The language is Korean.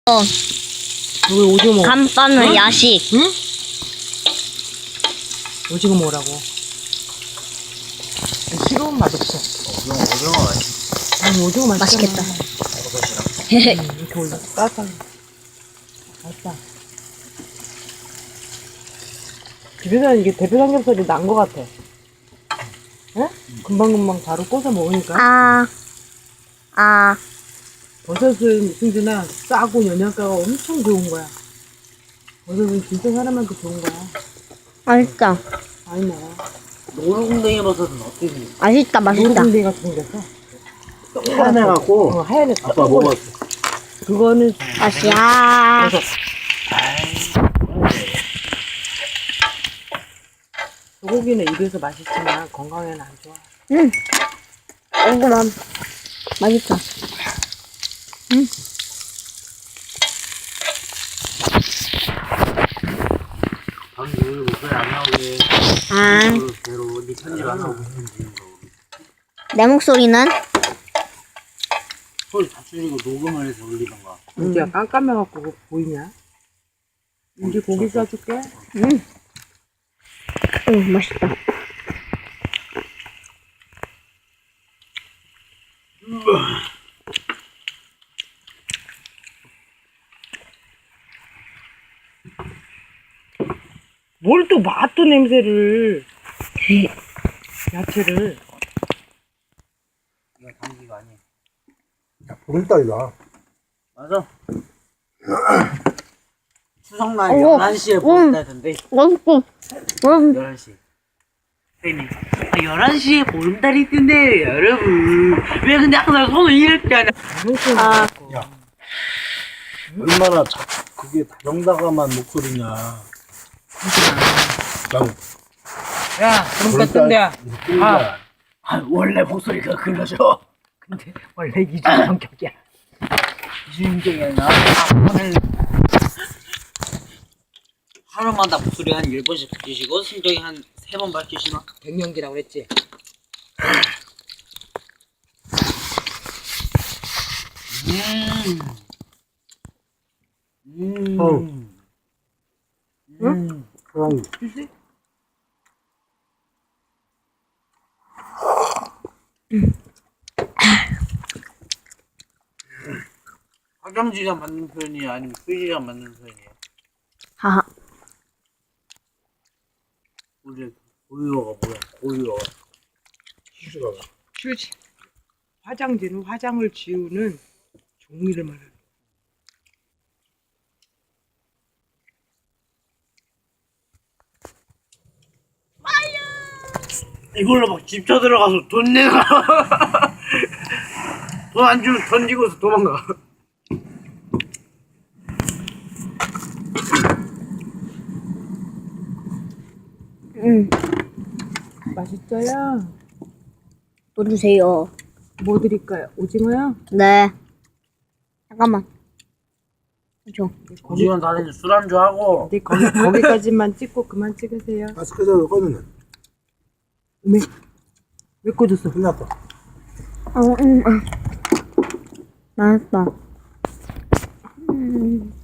여기 오징어 먹어. 간빠는 응? 야식. 응? 오징어 먹으라고. 싫으면 맛없어. 오징어 맛있어. 아니, 오징어 맛있잖아. 맛있겠다. 이렇게 올려. 따뜻하게. 맛있다. 집에서는 이게 대패 삼겹살이 난 것 같아. 응? 금방금방 바로 꺼서 먹으니까. 버섯은 승준아 싸고 영양가가 엄청 좋은 거야. 버섯은 진짜 사람한테 좋은 거야. 맛있다. 많이 먹어. 노루궁뎅이 버섯은 어땠니? 맛있다, 맛있다. 노루궁뎅이 같은 생겼어. 하얘갖고 하얀 애. 아빠 먹었어. 그거는 맛이야. 버섯. 소고기는 입에서 맛있지만 건강에는 안 좋아. 얼굴만 맛있다. 방금 오늘 목소리 안 나오게 배로 네 편집 안 하고 있는지 내 목소리는 소리 다 줄이고 녹음을 해서 올리던가. 이제 깜깜해갖고 그거 보이냐? 이제 고기 싸줄게. 맛있다. 뭘 또 맛도 냄새를. 야채를. 이건 감기가 아니야. 보름달이다. 맞아. 추석날 어머, 11시에 보름달던데. 맛있고. 11시. 쌤이 11시에 보름달이 뜬대요 여러분. 왜 근데 항상 손을 이렇게 하냐. 야, 얼마나 그게 다정다감한 목소리냐. 난 야, 그럼 뜬대야. 원래 목소리가 그러죠. 근데 원래 이중 성격이야. 이주인격이 아니라 오늘 하루마다 목소리 한 10번씩 바뀌시고 심정이 한 3번 바뀌시나? 갱년기라고 그랬지. 사랑이. 화장지가 맞는 표현이에요? 아니면 휴지가 맞는 표현이에요? 하하. 우리 고유어가 뭐야? 고유어가 휴지가. 휴지. 화장지는 화장을 지우는 종이를 말하는. 이걸로 막 집쳐 들어가서 돈 내놔. 돈 안 주면 던지고서 도망가. 맛있어요. 또 주세요. 뭐 드릴까요? 오징어요? 네. 잠깐만. 줘. 고시원 다니는 술안주하고 근데 거기까지만 찍고 그만 찍으세요. 마스크에서 꺼내는. 왜 꺼졌어? 끝났다. 맛있다.